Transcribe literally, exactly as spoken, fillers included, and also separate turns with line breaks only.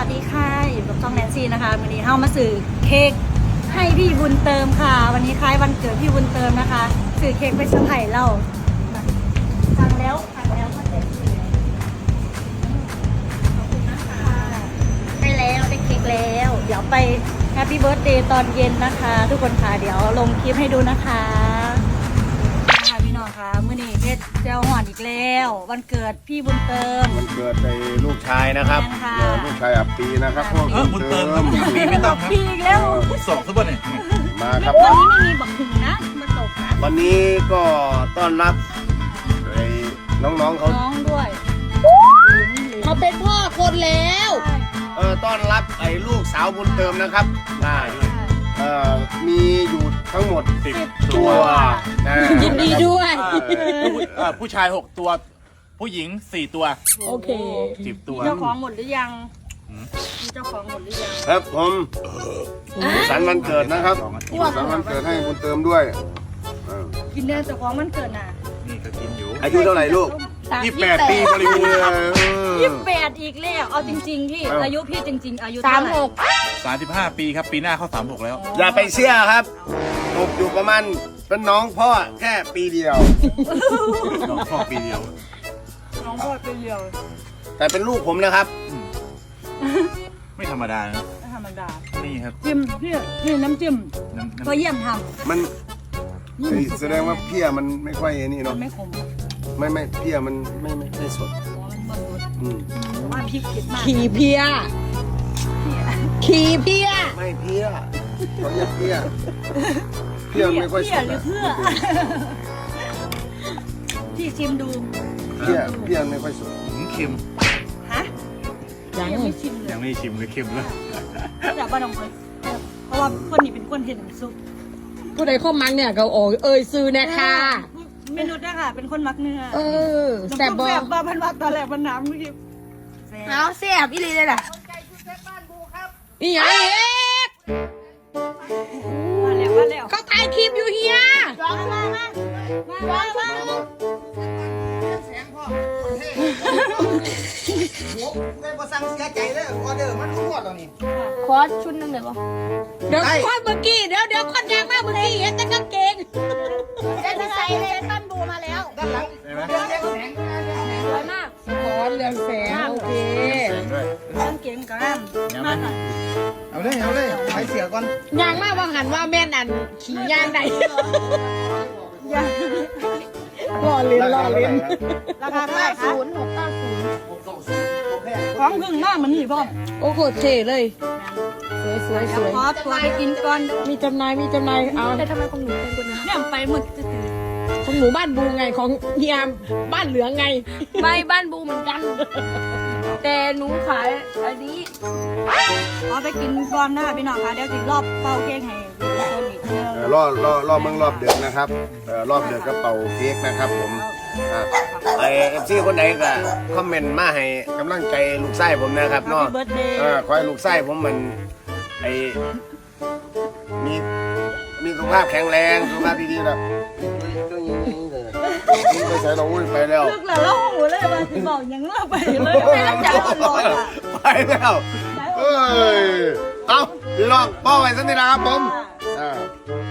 วัสดีค่ะอยู่กับช่องแนนซี่นะคะวันนี้เฮามาสื่อเค้กให้พี่บุญเติมค่ะวันนี้คล้ายวันเกิดพี่บุญเติมนะคะสื่อเค้กไปเซอร์ไพรส์เราสั่งแล้วสั่งแล้วมาเสร็จขอบคุณนะคะได้แล้วได้เค้กแล้วเดี๋ยวไปแฮปปี้เบิร์ธเดย์ตอนเย็นนะคะ ทุกคนค่ะเดี๋ยวลงคลิปให้ดูนะคะค่ะพี่น้องค่ะมื้อนี้เพชรเจ้าหอนอีกแล้ววันเกิดพี่บุญเติม
วันเกิดในลูกชายนะครับลูกชายอับปีนะครับพวก
เออบุญเติมครับปีไม่ต้องครับ
พี่อีกแล้ว
สองทุกวันเนี่ย
มาครับ
วันนี้ไม่มีบักหึงนะมาตกนะ
วันนี้ก็ต้อนรับไอ้น้องๆเขา
น้องด้วย
เขาเป็นพ่อคนแล้ว
เออต้อนรับไอ้ลูกสาวบุญเติมนะครับได้เอ่อมีอยู่ทั้งหมดสิบตัวนะ
ยินดีด้วย
เอ่อผู้ชายหกตัวผู้หญิงสี่ตัว
โอเค
สิบตัว
เจ้าของหมดหรือยังมีเจ้าของหมดหรือยัง
ครับผมสุขสันต์วันเกิดนะครับสุขสันต์วันเกิดให้บุญเติมด้วยเออ
กินเนื้อเจ้าของมันเกิดน่ะ
นี่ก็กินอยู่
อายุเท่าไหร่ลูก
ยี่สิบแปดปีบริบูรณ์
ยี่สิบแปดอีกแล้วเอาจริงๆพี่อายุพี่จริงๆอายุ
สาม
เท่ไหร่
หก
สามสิบห้าปีครับปีหน้าเข้าสามหกแล้ว
อย่าไปเชื่อครับตกอยู่ประมาณเป็นน้องพ่อแค่ปีเดียว
น้องพ่อปีเดียว
น้องพ่อเป็นเดียว
แต่เป็นลูกผมนะครับ
ไม่ธรรมดานะ
ไม่ธรรมดา
นี่ครับ
จิ้มพี่นี่น้ำจิ้ม
น้ำน้ำ
ก็เยี่ยมท
มันเฮ้ยแสดงว่าเพี้ยมันไม่ค่อยไอ้นี่
ำมั
เนาะ
นไม่ขม
ไม่ไม่เพี้ยมันไม่ไม่ไม่สด
มันมันรส
อืม
แต่ว่าพริกเผ็ดมาก
ขี่เพีย ขี่เพีย
ไม่เพี้ยเขาเรียกเพี้ยเพี้ยมันไม่ค่อยส
เพื่อ
ด
หรือ
อะ
เพื่อพี่ชิมดู
เพี้ยเพี้ยไม่ค่อยสด
หืมเค็ม
ฮะ
ยัง
ยังไม่ชิมเลย
ยังไม่ชิมเลยเค็มเลย
อยากบ้านน้องเลยเพราะว่าคนนี้เป็นคนเห็นซุป
ผู้ใดเข้ามังเนี่ยเขาโอ้เอ่ยซื้อแน่ค่ะ
เมนูด้ค่ะเป็นคนมักเนื้อ
เออแซ่บ
บบ อ
อ
แซ่บบ้าพันว่าตอนแรกมันน้ำเมื่อกี้
เอาแซ่บอีหลีเลยล่ะนี่ยังเอ๊ะ
มาแล้วมาแล้ว
เขาถ่ายคลิปอยู่เฮีย
มามามามามามา
ได้บ่สั่งเสียใจเลยออเดอร์มันรู้หมดแล้วนี่
ขอชุดหนึ่งเลยปะเดี๋ยวคอนเมื่อกี้เดี๋ยวเดี๋ยวคอนยางมากเมื่อกี้เห็นแต่กางเกง
เจ๊จะใส่เลยต้นบูมาแล้ว
ด้านหลัง
ใช่ไหม
เรื่องเลี้ยงแสง
สวยมาก
ขอเรืองแสงโอเค
เรื่องเก่งกับน้ำมากหน่อย
เอาเลยเอาเลยไปเสียก่อน
ยางมากว่าหันว่าแม่นอันขี่ยางใด
ยัง
รอเล่นรอเล่น
ราคาเท่าไหร่คะ
ศูนย์หกเก้าศูนย์
ของพึ่งมากมันนี่พ่อ
โอ้โหเท่เลย สวยสวยส
เดี๋ยว
วย
ขอตัวไปกินก่อน
มีจำหนายมีจำหนายเอาแต่ทำไมของหนูเป็นคนนะ
เนี่ยไปหมดจะตื่น
ของหนูบ้านบูไงของเฮียมบ้านเหลืองไง
ไม่บ้านบูเหมือนกัน แต่หนูขายอันนี้
ขอไปกินก่อนนะคะพี่น้องคะเดี๋ยวจิรอบเป่าเค้กให้ดูตัวนี้เดียว
เอ่อรอบรอบรอบเมืองรอบเดือนนะครับเอ่อรอบเดือนก็เป่าเค้กนะครับผมอ่ะไอเอฟซีคนไหนก็คอมเมนต์มาให้กำลังใจลูกไส้ผมนะครับ
แฮป
เนาะ
ปี้เบิร์ดเดย์
เออขอให้ลูกไส้ผมมันไอมีมีสุขภาพแข็งแรงสุขภาพดีๆนะไปใส่เราอุ้ยไปแล้ว
ลึกแล้วเราหูเลยมาถึงบอกยังเลิกไปเลยไม่รักษาตลอดอ่ะ
ไปแล้วเอ้ยเอาพี่น้องป้อไว้สักนิดนะครับผมอ่า